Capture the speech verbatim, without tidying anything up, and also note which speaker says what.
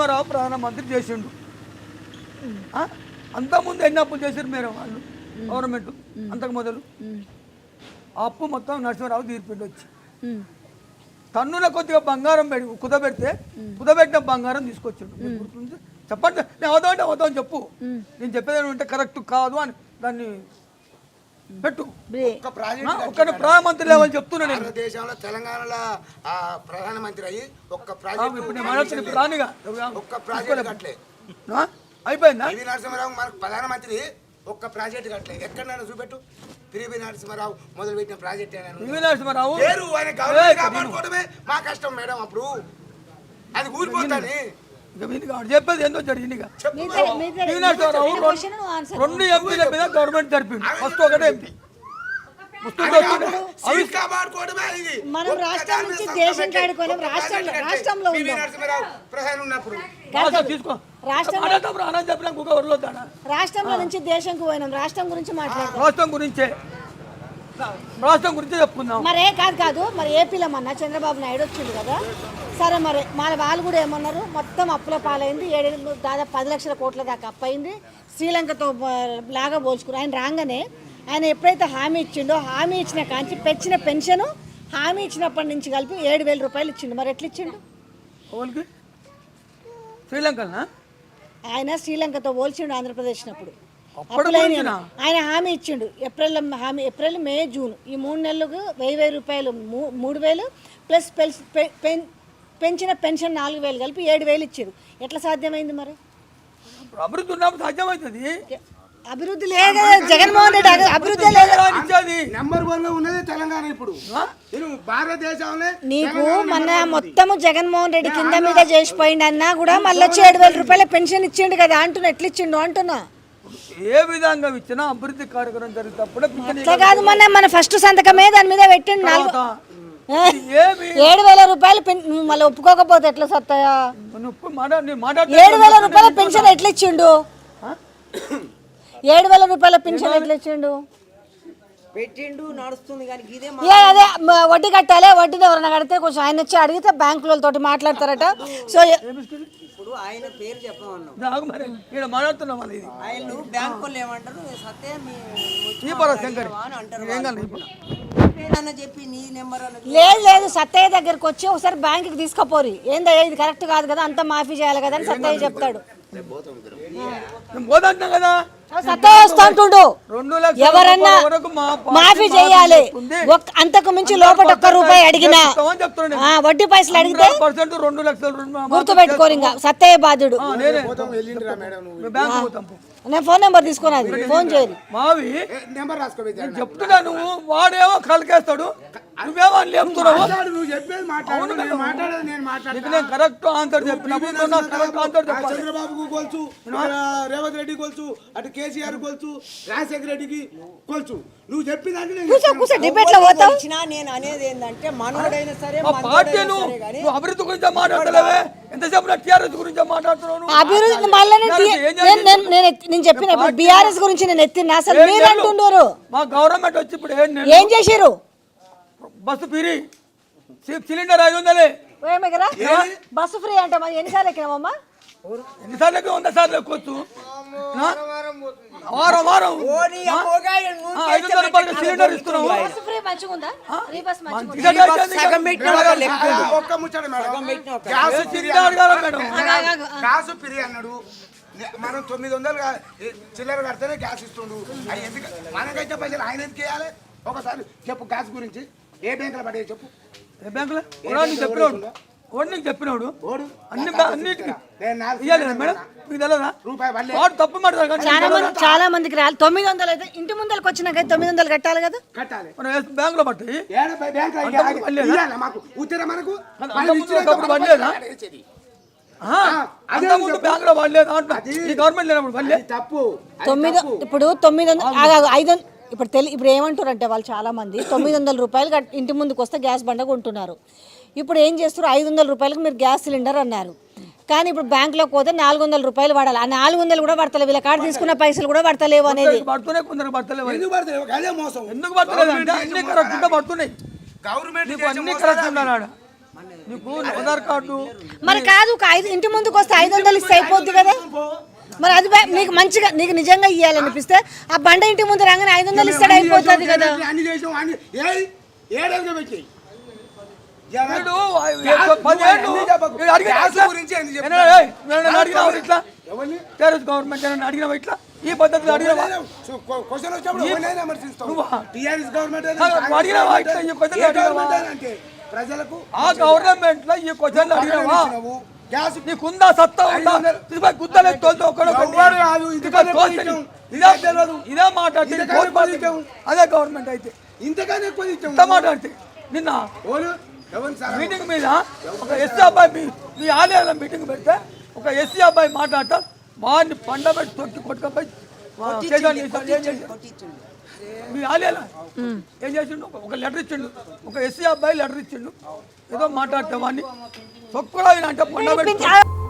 Speaker 1: నరసింహారావు ప్రధానమంత్రి చేసిండు. అంతకుముందు ఎన్ని అప్పులు చేశారు మీరు వాళ్ళు గవర్నమెంట్ అంతకు మొదలు ఆ అప్పు మొత్తం నరసింహారావు తీర్పిండి వచ్చి టన్నుల కొద్దిగా బంగారం పెడి కుదబెడితే కుదబెట్టిన బంగారం తీసుకొచ్చిండు. చెప్పండి, నేను అవుతా అంటే అవుతా అని చెప్పు. నేను చెప్పేది ఉంటే కరెక్ట్ కాదు అని దాన్ని పెట్టు. ఒక్క ప్రధానమంత్రి లెవెల్ చెప్తున్నా నేను.
Speaker 2: దేశంలో తెలంగాణలో ప్రధానమంత్రి అయ్యి ఒక్క
Speaker 1: ప్రాణిగా
Speaker 2: ఒక్క ప్రాజెక్ట్ కట్టలే
Speaker 1: అయిపోయిందా?
Speaker 2: పివి నరసింహారావు మనకు ప్రధానమంత్రి ఒక్క ప్రాజెక్ట్ కట్టలే. ఎక్కడైనా చూపెట్టు. పివి నరసింహారావు మొదలు పెట్టిన ప్రాజెక్ట్
Speaker 1: పివి నరసింహారావు
Speaker 2: పేరు ఆయన గవర్నమెంట్ కాపాడుకోవడమే మా కష్టం మేడం. అప్పుడు అది ఊరిపోతాని
Speaker 1: చెప్పేది ఏందో జరిగింది. రెండు ఎంపీల మీద గవర్నమెంట్ జరిపింది. ఫస్ట్ ఒకటే ఎంపీ
Speaker 3: మనం రాష్ట్రం నుంచి దేశం కాడుకోలేం. రాష్ట్రంలో రాష్ట్రంలో రాష్ట్రంలో నుంచి దేశంకు పోయినాం. రాష్ట్రం గురించి మాట్లాడతాం.
Speaker 1: రాష్ట్రం గురించే రాష్ట్రం గురించి చెప్పుకుందాం.
Speaker 3: మరే కాదు కాదు మరి ఏపీలో మొన్న చంద్రబాబు నాయుడు వచ్చింది కదా. సరే మరి మన వాళ్ళు కూడా ఏమన్నారు, మొత్తం అప్పుల పాలైంది. ఏడు దాదాపు పది లక్షల కోట్ల దాకా అప్పు అయింది. శ్రీలంకతో లాగా పోల్చుకుని ఆయన రాగానే ఆయన ఎప్పుడైతే హామీ ఇచ్చిండో హామీ ఇచ్చిన కాంచి పెంచిన పెన్షన్ హామీ ఇచ్చినప్పటి నుంచి కలిపి ఏడు వేల రూపాయలు ఇచ్చిండు. మరి ఎట్లా ఇచ్చిండు?
Speaker 1: శ్రీలంక
Speaker 3: ఆయన శ్రీలంకతో పోల్చిండు ఆంధ్రప్రదేశ్నప్పుడు. ఆయన హామీ ఇచ్చిండు. ఏప్రిల్ హామీ ఏప్రిల్ మే జూన్ ఈ మూడు నెలలకు వెయ్యి వెయ్యి రూపాయలు మూడు వేలు ప్లస్ పెంచిన పెన్షన్ నాలుగు వేలు కలిపి ఏడు వేలు ఇచ్చారు. ఎట్లా సాధ్యమైంది? మరి
Speaker 1: అభివృద్ధి ఉన్నప్పుడు సాధ్యమవుతుంది.
Speaker 3: అభివృద్ధి లేదు. జగన్మోహన్ రెడ్డి అభివృద్ధి లేదు.
Speaker 2: నెంబర్ వన్ లో ఉన్నది తెలంగాణ. ఇప్పుడు భారతదేశంలో నీకు
Speaker 3: మొన్న మొత్తము జగన్మోహన్ రెడ్డి కింద మీద చేసిపోయింది అన్నా కూడా మళ్ళీ వచ్చి ఏడు వేల రూపాయల పెన్షన్ ఇచ్చిండు కదా అంటున్నా. ఎట్లా ఇచ్చిండు అంటున్నా.
Speaker 1: ఏ విధంగా ఇచ్చినా అభివృద్ధి కార్యక్రమం జరిగినప్పుడు
Speaker 3: అట్లా కాదు. మన మన ఫస్ట్ సంతకమే దాని మీద పెట్టిండు. నాలుగు ఏడు వేల రూపాయలు మళ్ళీ ఒప్పుకోకపోతే ఎట్లా సత్తాయా? ఏడు వేల రూపాయల పెన్షన్ ఎట్లా ఇచ్చిండు? ఏడు వేల రూపాయల పెన్షన్ ఎట్లా ఇచ్చిండు?
Speaker 4: పెట్టిండు నడుస్తుంది కానీ ఇదే
Speaker 3: అదే వడ్డీ కట్టాలి. వడ్డీని ఎవరైనా కడితే కొంచెం ఆయన వచ్చి అడిగితే బ్యాంకులతో మాట్లాడతారట. సో
Speaker 4: ఇప్పుడు ఆయన పేరు చెప్పమన్నాం.
Speaker 1: ఆయన
Speaker 4: బ్యాంకు వాళ్ళు ఏమంటారు, సత్తే చెప్పి నీ నెంబర్
Speaker 3: లేదు లేదు సత్తయ్య దగ్గరకు వచ్చి ఒకసారి బ్యాంకుకి తీసుకుపోరి. ఏందయ్యా ఇది కరెక్ట్ కాదు కదా, అంతా మాఫీ చేయాలి కదా అని సత్తయ్య చెప్తాడు. సత్తయ్య వస్తుంటుండు. ఎవరన్నా మాఫీ చేయాలి. అంతకు మించి లోపల ఒక్క రూపాయి అడిగినా వడ్డీ పైసలు అడిగితే గుర్తు పెట్టుకోరు. ఇంకా సత్తయ్య బాధ్యుడు. నేను ఫోన్ నెంబర్ తీసుకున్నా, ఫోన్ చేయాలి.
Speaker 1: మావి చెప్తున్నా, నువ్వు వాడేమో కలికేస్తాడు, నువ్వేమో లేపుతున్నావు. కరెక్ట్ ఆన్సర్ చెప్పినప్పుడు
Speaker 2: చంద్రబాబుకు కొలుచు, రేవంత్ రెడ్డి కొలుచు, అటు కేసీఆర్ కొలుచు, రాజశేఖర రెడ్డికి కొలుచు. నువ్వు చెప్పినట్టు
Speaker 4: నేను అనేది ఏంటంటే మనోడైనా సరే
Speaker 1: అభివృద్ధి గురించి మాట్లాడలేవే, ఎంతసేపు టీఆర్ఎస్ గురించి మాట్లాడుతున్నావు.
Speaker 3: అభివృద్ధి మళ్ళీ నేను చెప్పిన బీఆర్ఎస్ గురించి నేను ఎత్తిన అసలు మీరు అంటున్నారు.
Speaker 1: మా గవర్నమెంట్ వచ్చి ఇప్పుడు
Speaker 3: ఏం చేశారు?
Speaker 1: బస్సు ఫ్రీ, సిలిండర్ ఐదు వందలే.
Speaker 3: బస్సు ఫ్రీ అంటే మరి ఎన్నిసార్లు ఎక్కినామమ్మా?
Speaker 1: ఎన్నిసార్లు ఎక్కి వంద సార్లు ఎక్కొచ్చు. వారం వారం ఐదు వందల రూపాయలు సిలిండర్ ఇస్తున్నావు.
Speaker 2: గ్యాస్ ఫ్రీ అన్నాడు. మనం తొమ్మిది వందలు చిల్లర కడితేనే గ్యాస్ ఇస్తుండు. అవి ఎందుకు మనకైతే పైసలు ఆయన ఎందుకు వేయాలి? ఒకసారి చెప్పు గ్యాస్ గురించి. ఏ బ్యాంకులో పడే చెప్పు.
Speaker 1: ఏ బ్యాంకులో చెప్పినాడు చెప్పినాడు అన్ని అన్నిటికీ తప్పు మాట్లాడు.
Speaker 3: చాలా మందికి రాలి తొమ్మిది వందలు అయితే ఇంటి ముందరకు వచ్చినాక తొమ్మిది వందలు కట్టాలి కదా.
Speaker 2: కట్టాలి.
Speaker 1: బ్యాంక్ లో పట్టి
Speaker 3: తొమ్మిది ఇప్పుడు తొమ్మిది వందలు ఐదు ఇప్పుడు తెలి ఇప్పుడు ఏమంటారు అంటే వాళ్ళు చాలా మంది తొమ్మిది వందల రూపాయలు ఇంటి ముందుకు వస్తే గ్యాస్ బండ కొంటున్నారు. ఇప్పుడు ఏం చేస్తారు, ఐదు వందల రూపాయలకు మీరు గ్యాస్ సిలిండర్ అన్నారు. కానీ ఇప్పుడు బ్యాంకులోకి పోతే నాలుగు వందల రూపాయలు పడాలి. ఆ నాలుగు వందలు కూడా పడతలేవు, వీళ్ళ కాడ తీసుకున్న పైసలు కూడా పడతలేవు అనేది.
Speaker 1: నీకు ఆధార్ కార్డు
Speaker 3: మరి కాదు ఒక ఐదు ఇంటి ముందుకు వస్తే ఐదు వందలు ఇస్తే అయిపోద్ది కదా. మరి అది బా- నీకు మంచిగా నీకు నిజంగా ఇవ్వాలనిపిస్తే ఆ బండ ఇంటి ముందు రాగానే ఐదు వందలు ఇస్తాడు అయిపోతుంది కదా.
Speaker 2: అన్ని చేసాం అన్ని ఏయ్ ఏడాదిగా పెట్టాయి
Speaker 1: వీడు పదేళ్ళు వీడు అడిగిన
Speaker 2: గ్యాస్
Speaker 1: ఇట్లా?
Speaker 2: గురించి ఎందుకు
Speaker 1: ఏనా, ఏయ్, ఏమైనా అడిగినావా ఇట్లా?
Speaker 2: ఎవరిని
Speaker 1: టీఆర్ఎస్ గవర్నమెంట్ ఏమైనా అడిగినావా ఇట్లా? ఈ పద్ధతిలో అడిగినావా?
Speaker 2: క్వశ్చన్ వచ్చినప్పుడు ఎవరినైనా విమర్శిస్తాం.
Speaker 1: నువ్వా?
Speaker 2: టీఆర్ఎస్ గవర్నమెంట్
Speaker 1: ఆ, నువ్వు అడిగినావా ఇట్లా? ఈ పద్ధతిలో
Speaker 2: ఏ
Speaker 1: అడిగినావా?
Speaker 2: గవర్నమెంట్ అయినా అంటే ప్రజలకు
Speaker 1: ఆ గవర్నమెంట్ లో ఈ క్వశ్చన్లు అడిగినావా?
Speaker 2: ఇచ్చినావు. గ్యాస్
Speaker 1: నీకుందా సత్తా ఉందా? తీసుకొని గుద్దలే తోలుతా ఒక్కడొక్కడిని.
Speaker 2: ఎవ్వడు కాదు, ఇంతకన్నా
Speaker 1: తీసుకొని తోలుతా.
Speaker 2: ఎక్కువ
Speaker 1: ఇదే తెలియదు ఇదే మాట్లాడితే
Speaker 2: ఇంతకన్నా ఎక్కువ ఇచ్చాము.
Speaker 1: అదే గవర్నమెంట్ అయితే
Speaker 2: ఇంతకన్నా ఎక్కువ ఇచ్చాము.
Speaker 1: ఇంత మాట్లాడితే నిన్న
Speaker 2: ఎవరు ఎవరు సార్
Speaker 1: మీటింగ్ మీద ఒక ఎస్సీ అబ్బాయి మీ మీ ఆలయాల మీటింగ్ పెడితే ఒక ఎస్సీ అబ్బాయి మాట్లాడతా వాడిని పండబెట్టి తొక్కి కొట్టుకపోయి చేసాను ఏం చేశాడు మీ ఆలయాల ఏం చేసిండు ఒక- ఒక లెటర్ ఇచ్చిండు ఒక ఎస్సీ అబ్బాయి లెటర్ ఇచ్చిండు ఏదో మాట్లాడితే వాడిని తొక్కుడా అంటే పండబెట్టి